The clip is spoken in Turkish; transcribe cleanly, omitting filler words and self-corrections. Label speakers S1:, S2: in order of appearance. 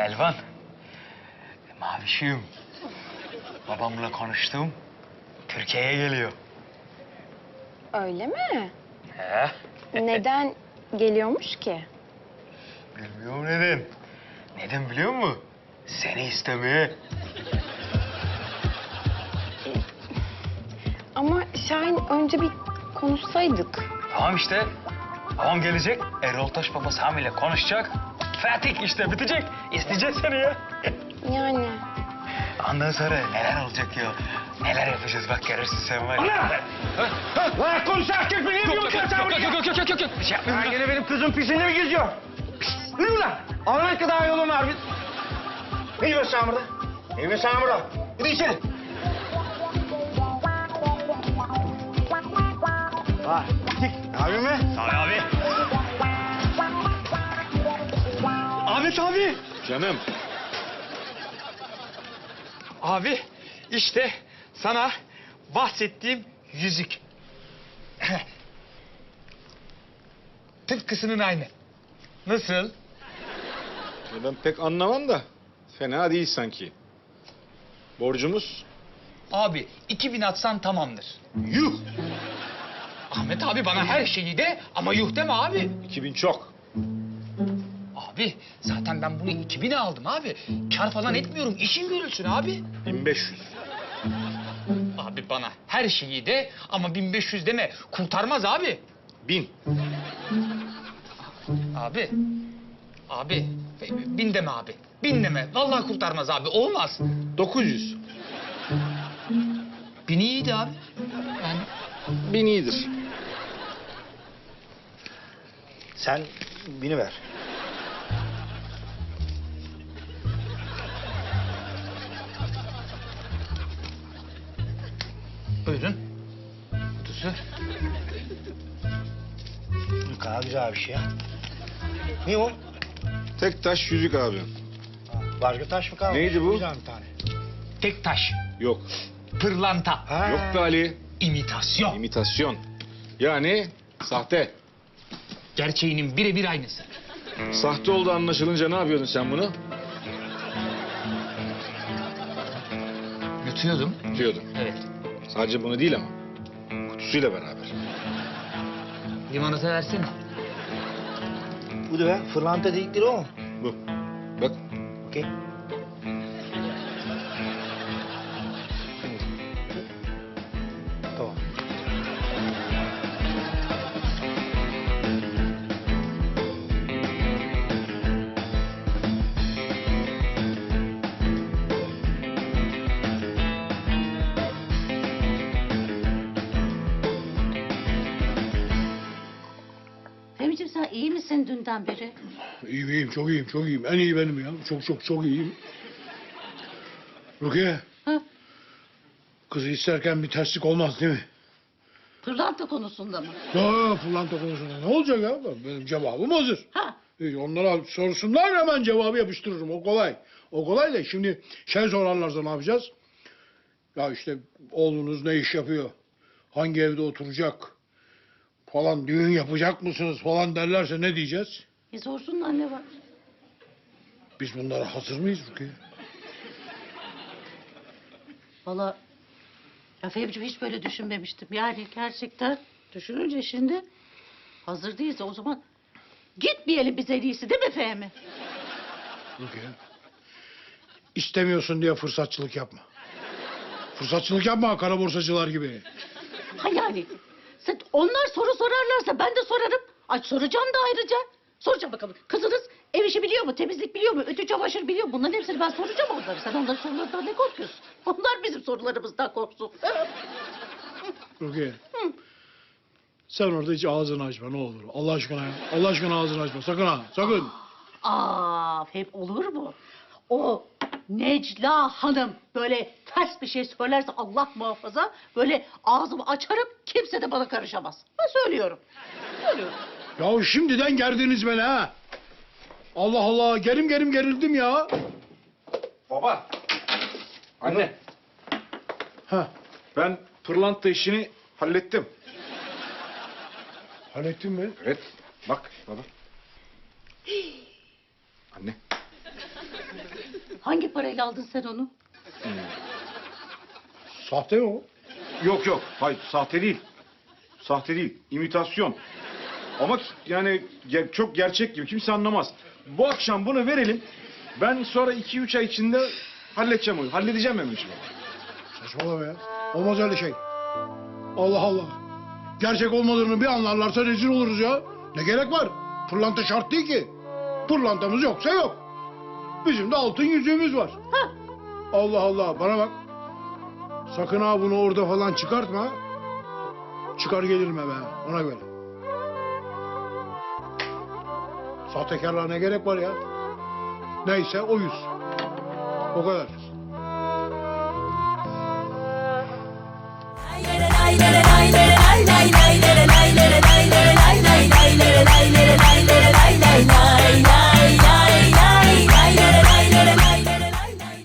S1: Elvan. Mavişim. Babamla konuştum. Türkiye'ye geliyor.
S2: Öyle mi?
S1: He?
S2: Neden geliyormuş ki?
S1: Bilmiyorum neden. Neden biliyor musun? Seni istemeye.
S2: Ama Şahin önce bir konuşsaydık.
S1: Tamam işte. Babam gelecek. Erol Taş Baba Sami ile konuşacak. Fatih işte bitecek. İsteyecek seni ya.
S2: Yani.
S1: Ondan sonra neler olacak ya? Neler yapacağız bak görürsün sen var ya.
S3: Lan konuş erkek mi? Ne diyorsun sen buraya?
S1: Yok. Bir şey yapmıyorum.
S3: Ha, gene benim kızın pisinde mi geziyor? Pis, yürü lan. Ağlamak kadar yolun var biz. Ne diyorsun sen burada? Ne diyorsun sen burada? Hadi içeri. Vay, gittik. Abi mi?
S1: Sami abi. Ahmet abi.
S4: Canım.
S1: Abi işte sana bahsettiğim yüzük. Tıpkısının aynı. Nasıl?
S4: Ben pek anlamam da fena değil sanki. Borcumuz?
S5: Abi 2000 atsan tamamdır.
S4: Yuh!
S5: Ahmet abi bana her şeyi de ama yuh deme abi.
S4: 2000 çok.
S5: Abi zaten ben bunu 2000'e aldım abi. Kar falan etmiyorum. İşin görülsün abi.
S4: 1500.
S5: Abi bana her şeyi de ama 1500 deme. Kurtarmaz abi.
S4: 1000.
S5: Abi. Abi. 1000 deme abi. 1000 deme. Vallahi kurtarmaz abi. Olmaz.
S4: 900.
S5: 1000 iyiydi abi. Yani
S4: 1000 iyidir.
S3: Sen bini ver.
S5: buyurun. Kutusu.
S3: Ne kadar güzel bir şey ya. Ne o?
S4: Tek taş yüzük abi.
S3: Başka taş mı kalmış?
S4: Neydi bu?
S3: Güzel bir tane.
S5: Tek taş.
S4: Yok.
S5: Pırlanta.
S3: Ha.
S4: Yok be Ali.
S5: İmitasyon.
S4: İmitasyon. Yani sahte.
S5: Gerçeğinin birebir aynısı.
S4: Sahte oldu anlaşılınca ne yapıyordun sen bunu?
S5: Yutuyordum.
S4: Diyordun.
S5: Evet.
S4: Sadece bunu değil ama. Kutusuyla beraber.
S5: Limonata versene.
S3: Bu da be. Fırlanta dedikleri o mu?
S4: Bu. Bak.
S3: Okey. Tamam.
S6: Fehmi'ciğim sen iyi misin dünden beri?
S7: İyiyim, çok iyiyim, çok iyiyim. En iyi benim ya. Çok iyiyim. Rukiye,
S6: Ha?
S7: kızı isterken bir terslik olmaz değil mi?
S6: Pırlanta konusunda mı?
S7: Ya pırlanta konusunda ne olacak ya? Benim cevabım hazır.
S6: Ha?
S7: Onlara sorsunlar hemen cevabı yapıştırırım. O kolay. O kolay da şimdi şey sorarlarsa ne yapacağız? Ya işte oğlunuz ne iş yapıyor? Hangi evde oturacak? Falan düğün yapacak mısınız falan derlerse ne diyeceğiz?
S6: Sorsunlar ne var?
S7: Biz bunlara hazır mıyız Rukiye?
S6: Valla ya Fehmi'ciğim hiç böyle düşünmemiştim. Yani gerçekten düşününce şimdi hazır değilse o zaman gitmeyelim biz en iyisi değil mi Fehmi?
S7: Rukiye. İstemiyorsun diye fırsatçılık yapma. Fırsatçılık yapma kara borsacılar gibi.
S6: Ha yani onlar soru sorarlarsa ben de sorarım. Ay soracağım da ayrıca. Soracağım bakalım. Kızınız ev işi biliyor mu? Temizlik biliyor mu? Ütü çamaşır biliyor mu? Bunların hepsini ben soracağım onları. Sen onların sorularından ne korkuyorsun? Onlar bizim sorularımızdan korksun.
S7: Rukiye. Sen orada hiç ağzını açma ne olur. Allah aşkına ya. Allah aşkına ağzını açma. Sakın ha. Sakın.
S6: Hep olur mu? O Necla Hanım böyle ters bir şey söylerse Allah muhafaza böyle ağzımı açarım kimse de bana karışamaz. Ben söylüyorum. Söylüyorum.
S7: Ya şimdiden gerdiniz beni ha. Allah Allah. Gerim gerildim ya.
S4: Baba. Anne.
S7: Ha.
S4: Ben pırlanta işini hallettim.
S7: Hallettin mi?
S4: Evet. Bak baba. Anne.
S6: Hangi parayla aldın sen onu?
S7: Sahte mi o?
S4: Yok yok. Hayır sahte değil. Sahte değil. İmitasyon. Ama yani çok gerçek gibi. Kimse anlamaz. Bu akşam bunu verelim. Ben sonra 2-3 ay içinde halledeceğim onu. Halledeceğim ben bu işi.
S7: Saçmalama ya. Olmaz öyle şey. Allah Allah. Gerçek olmadığını bir anlarlarsa rezil oluruz ya. Ne gerek var? Pırlanta şart değil ki. Pırlantamız yoksa yok. Bizim de altın yüzüğümüz var.
S6: Ha.
S7: Allah Allah. Bana bak. Sakın ha bunu orada falan çıkartma. Çıkar gelirim eve. Ona göre. Sahtekarlığa ne gerek var ya? Neyse o yüz. O kadar.
S8: Lay lay lay lay lay lay lay lay.